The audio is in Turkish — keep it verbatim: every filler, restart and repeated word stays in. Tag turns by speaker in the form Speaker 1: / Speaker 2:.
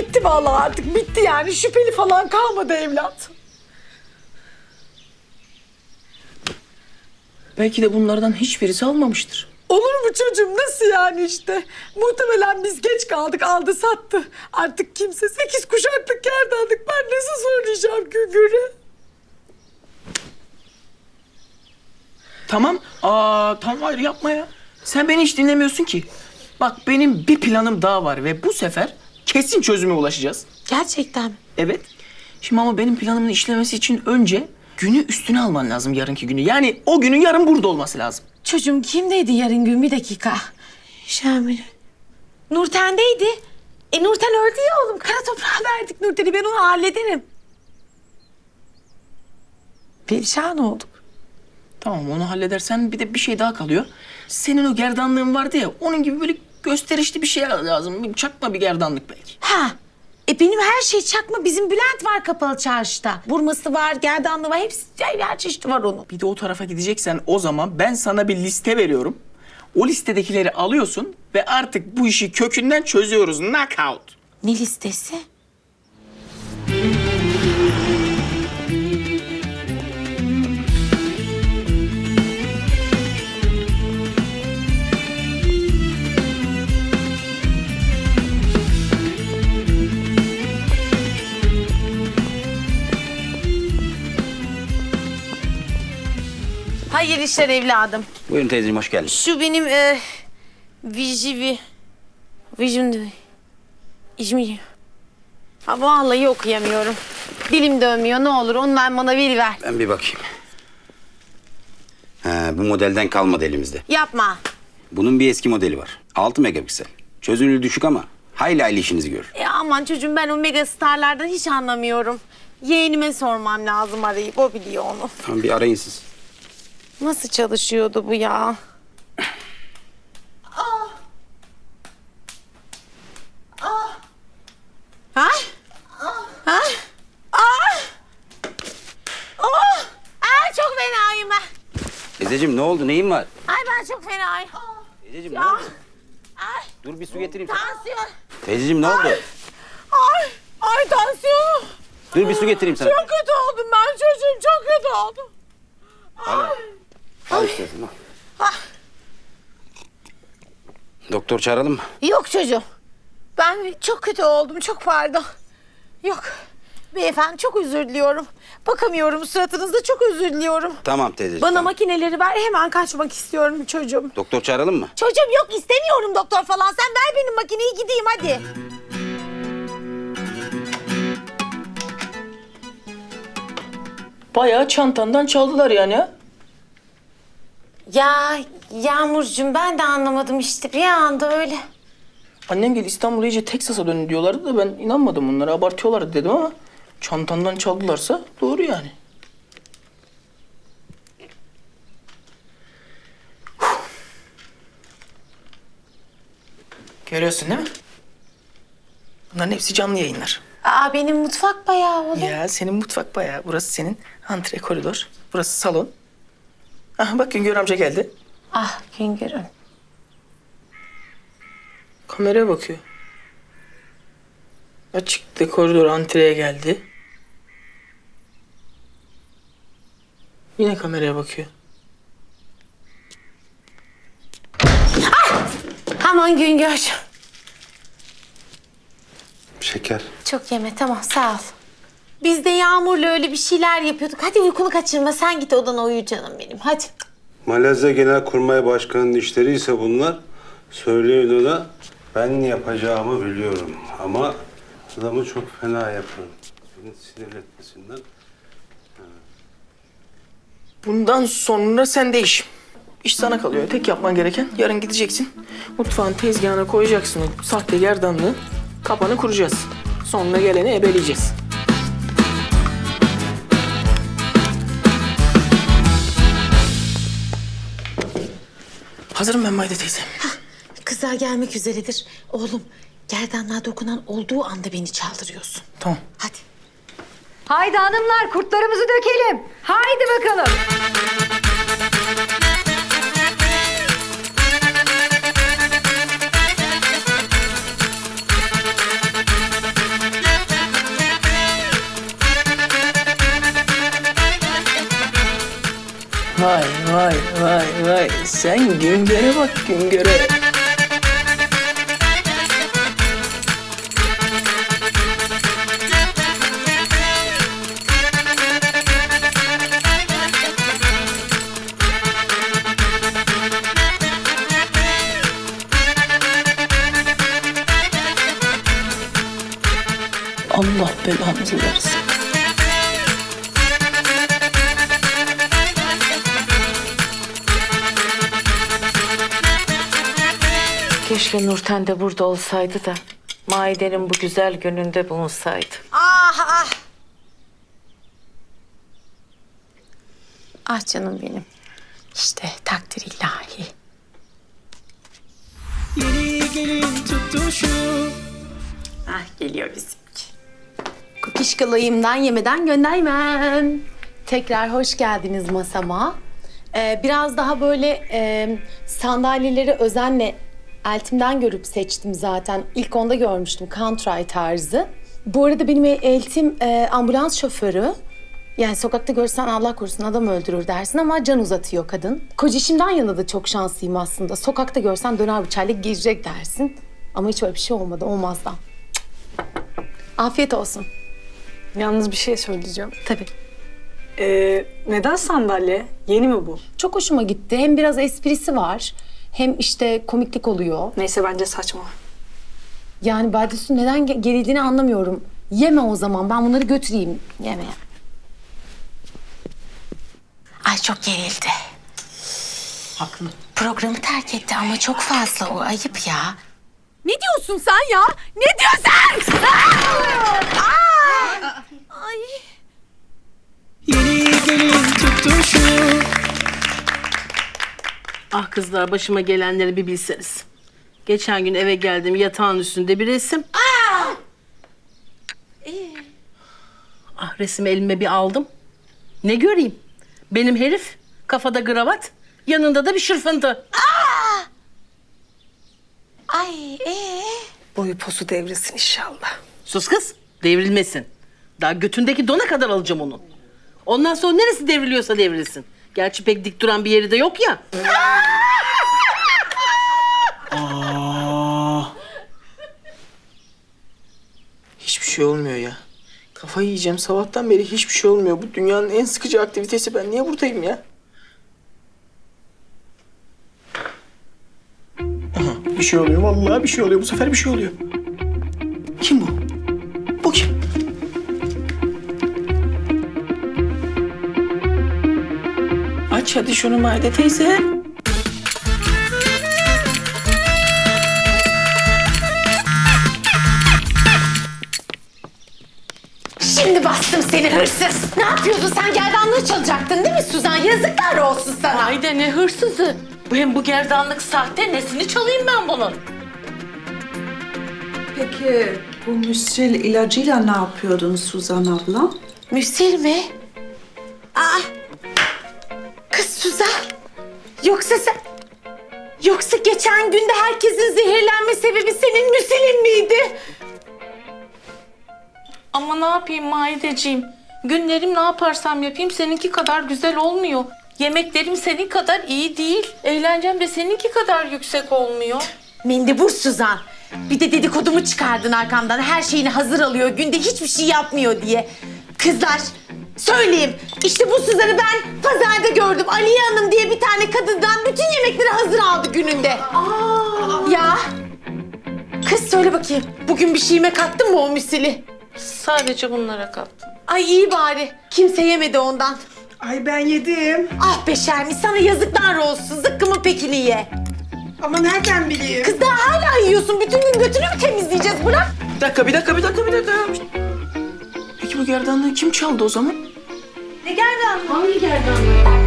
Speaker 1: gitti vallahi, artık bitti yani. Şüpheli falan kalmadı evlat.
Speaker 2: Belki de bunlardan hiçbirisi almamıştır.
Speaker 1: Olur mu çocuğum, nasıl yani işte? Muhtemelen biz geç kaldık, aldı sattı. Artık kimse sekiz kuşaklık gerdanlık, ben nasıl söyleyeceğim Güngör'e?
Speaker 2: Tamam. Aa, tamam hayır yapma ya. Sen beni hiç dinlemiyorsun ki. Bak benim bir planım daha var ve bu sefer kesin çözüme ulaşacağız.
Speaker 1: Gerçekten mi?
Speaker 2: Evet. Şimdi ama benim planımın işlemesi için önce günü üstüne alman lazım, yarınki günü. Yani o günün yarın burada olması lazım.
Speaker 1: Çocuğum kimdeydi yarın gün, bir dakika. Şamil. Nurten'deydi. E Nurten öldü ya oğlum. Kara toprağa verdik Nurten'i, ben onu hallederim. Perişan olduk.
Speaker 2: Tamam onu halledersen bir de bir şey daha kalıyor. Senin o gerdanlığın vardı ya, onun gibi böyle gösterişli bir şey lazım. Bir çakma bir gerdanlık belki.
Speaker 1: Ha. E benim her şey çakma. Bizim Bülent var kapalı çarşıda. Burması var, gerdanlığı var. Hepsi, her çeşidi var onun.
Speaker 2: Bir de o tarafa gideceksen o zaman ben sana bir liste veriyorum. O listedekileri alıyorsun ve artık bu işi kökünden çözüyoruz. Knockout.
Speaker 1: Ne listesi? Hayırlı işler evladım.
Speaker 3: Buyurun teyzeciğim, hoş geldin.
Speaker 1: Şu benim e, vijivi, vijun, İzmir. Ha vallahi okuyamıyorum. Dilim dönmüyor, ne olur ondan bana veriver.
Speaker 3: Ben bir bakayım. He, bu modelden kalmadı elimizde.
Speaker 1: Yapma.
Speaker 3: Bunun bir eski modeli var. altı megapiksel. Çözünürlüğü düşük ama hayli hayli işinizi görür.
Speaker 1: E aman çocuğum, ben o mega starlardan hiç anlamıyorum. Yeğenime sormam lazım arayıp, o biliyor onu.
Speaker 3: Tamam, bir arayın siz.
Speaker 1: Nasıl çalışıyordu bu ya? Ha? Ha? Aa! Oh! Aa, çok fenayım ben.
Speaker 3: Teyzeciğim ne oldu, neyin var?
Speaker 1: Ay ben çok fenayım.
Speaker 3: Teyzeciğim ne
Speaker 1: Ya.
Speaker 3: oldu?
Speaker 1: Ay,
Speaker 3: Dur bir su getireyim sana.
Speaker 1: tansiyon.
Speaker 3: Teyzeciğim ne oldu?
Speaker 1: Ay, ay tansiyonum.
Speaker 3: Dur bir su getireyim sana.
Speaker 1: Çok kötü oldum ben çocuğum, çok kötü oldum.
Speaker 3: Al, al istersen al.
Speaker 1: Ah.
Speaker 3: Doktor çağıralım mı?
Speaker 1: Yok çocuğum. Ben çok kötü oldum, çok pardon. Yok. Beyefendi çok özür diliyorum. Bakamıyorum suratınızda, çok özür diliyorum.
Speaker 3: Tamam teyzeciğim.
Speaker 1: Bana
Speaker 3: tamam.
Speaker 1: makineleri ver, hemen kaçmak istiyorum çocuğum.
Speaker 3: Doktor çağıralım mı?
Speaker 1: Çocuğum yok, istemiyorum doktor falan. Sen ver benim makineyi, gideyim hadi.
Speaker 2: Bayağı çantandan çaldılar yani ha.
Speaker 1: Ya Yağmurcuğum, ben de anlamadım işte, bir anda öyle.
Speaker 2: Annem geldi, İstanbul iyice Teksas'a döndü diyorlardı da ben inanmadım onlara. Abartıyorlar dedim ama çantandan çaldılarsa doğru yani. Görüyorsun değil mi? Bunların hepsi canlı yayınlar.
Speaker 1: Aa, benim mutfak bayağı oğlum.
Speaker 2: Ya senin mutfak bayağı. Burası senin antre koridor. Burası salon. Ah bak Güngör amca geldi.
Speaker 1: Ah Güngör'üm.
Speaker 2: Kameraya bakıyor. Açıktı koridor, antreye geldi. Yine kameraya bakıyor.
Speaker 1: Aman Güngör.
Speaker 3: Şeker.
Speaker 1: Çok yeme, tamam sağ ol. Biz de Yağmur'la öyle bir şeyler yapıyorduk. Hadi uykunu kaçırma, sen git odana uyu canım benim, hadi.
Speaker 4: Malezya Genelkurmay Başkanı'nın işleri ise bunlar. Söyleyin ona, ben yapacağımı biliyorum ama adamı çok fena yaparım. Beni sinirletmesinden.
Speaker 2: Bundan sonra sen değiş. İş sana kalıyor. Tek yapman gereken yarın gideceksin. Mutfağın tezgahına koyacaksın o sahte gerdanlığı. Kapanı kuracağız. Sonra geleni ebeleyeceğiz. Hazırım ben Mayda teyze.
Speaker 1: Kızlar gelmek üzeredir. Oğlum, gerdanlığa dokunan olduğu anda beni çaldırıyorsun.
Speaker 2: Tamam.
Speaker 1: Hadi.
Speaker 5: Haydi hanımlar, kurtlarımızı dökelim. Haydi bakalım.
Speaker 2: Vay sen Güngör'e bak Güngör'e. Allah belanızı versin.
Speaker 6: Keşke Nurten de burada olsaydı da Maide'nin bu güzel gününde bulunsaydı.
Speaker 1: Ah ah. Ah canım benim. İşte takdir ilahi.
Speaker 2: Yeni gelin tutuşu.
Speaker 1: Ah geliyor bizimki. Kukişkalayımdan yemeden göndermem. Tekrar hoş geldiniz masama. Ee, biraz daha böyle e, sandalyeleri özenle eltimden görüp seçtim zaten. İlk onda görmüştüm country tarzı. Bu arada benim eltim e, ambulans şoförü. Yani sokakta görsen Allah korusun adam öldürür dersin ama can uzatıyor kadın. Kocişimden yana da çok şanslıyım aslında. Sokakta görsen döner bıçağıyla girecek dersin. Ama hiç öyle bir şey olmadı, olmazdan. Afiyet olsun.
Speaker 7: Yalnız bir şey söyleyeceğim.
Speaker 1: Tabii.
Speaker 7: Ee, neden sandalye? Yeni mi bu?
Speaker 1: Çok hoşuma gitti. Hem biraz esprisi var. Hem işte komiklik oluyor.
Speaker 7: Neyse bence saçma.
Speaker 1: Yani Badius'un neden ge- gerildiğini anlamıyorum. Yeme o zaman. Ben bunları götüreyim. Yeme. Ay çok gerildi.
Speaker 2: Haklı.
Speaker 1: Programı terk etti ama çok fazla o. Ayıp ya.
Speaker 8: Ne diyorsun sen ya? Ne diyorsun? Ay.
Speaker 2: Yeni gelin tutuşu.
Speaker 9: Ah kızlar başıma gelenleri bir bilseniz. Geçen gün eve geldim yatağın üstünde bir resim. Ah resmi elime bir aldım. Ne göreyim? Benim herif kafada kravat, yanında da bir şırfıntı.
Speaker 1: Ay ee?
Speaker 7: Boyu posu devrilsin inşallah.
Speaker 9: Sus kız, devrilmesin. Daha götündeki dona kadar alacağım onun. Ondan sonra neresi devriliyorsa devrilsin. Gerçi pek dik duran bir yeri de yok ya.
Speaker 2: Hiçbir şey olmuyor ya. Kafayı yiyeceğim. Sabahtan beri hiçbir şey olmuyor. Bu dünyanın en sıkıcı aktivitesi. Ben niye buradayım ya? Aha, bir şey oluyor. Vallahi bir şey oluyor. Bu sefer bir şey oluyor. Kim bu? Bu kim? Aç hadi şunu Maide teyze.
Speaker 1: Şimdi bastım seni hırsız. Ne yapıyordun sen? Gerdanlığı çalacaktın değil mi Suzan? Yazıklar olsun sana.
Speaker 6: Haydi ne hırsızı. Hem bu gerdanlık sahte, nesini çalayım ben bunun?
Speaker 10: Peki bu müsril ilacıyla ne yapıyordun Suzan abla?
Speaker 1: Müsil mi? Aa! Kız Suzan. Yoksa sen... Yoksa geçen günde herkesin zehirlenme sebebi senin müsilin miydi?
Speaker 6: Ama ne yapayım Maideciğim? Günlerim ne yaparsam yapayım seninki kadar güzel olmuyor. Yemeklerim senin kadar iyi değil. Eğlencem de seninki kadar yüksek olmuyor.
Speaker 1: Mendebur Suzan. Bir de dedikodumu çıkardın arkamdan. Her şeyini hazır alıyor. Günde hiçbir şey yapmıyor diye. Kızlar söyleyeyim. İşte bu Suzan'ı ben pazarda gördüm. Aliye Hanım diye bir tane kadından bütün yemekleri hazır aldı gününde. Aa. Ya. Kız söyle bakayım. Bugün bir şeyime kattın mı o müsili?
Speaker 6: Sadece bunlara kattım.
Speaker 1: Ay iyi bari. Kimse yemedi ondan.
Speaker 10: Ay ben yedim.
Speaker 1: Ah be Şermin sana yazıklar olsun. Zıkkımı pekini ye.
Speaker 10: Ama nereden bileyim?
Speaker 1: Kız daha hala yiyorsun. Bütün gün götünü mü temizleyeceğiz? Bırak.
Speaker 2: Bir dakika, bir dakika, bir dakika, bir dakika. Peki bu gerdanlığı kim çaldı o zaman?
Speaker 1: Ne gerdanlığı? Hangi gerdanlığı?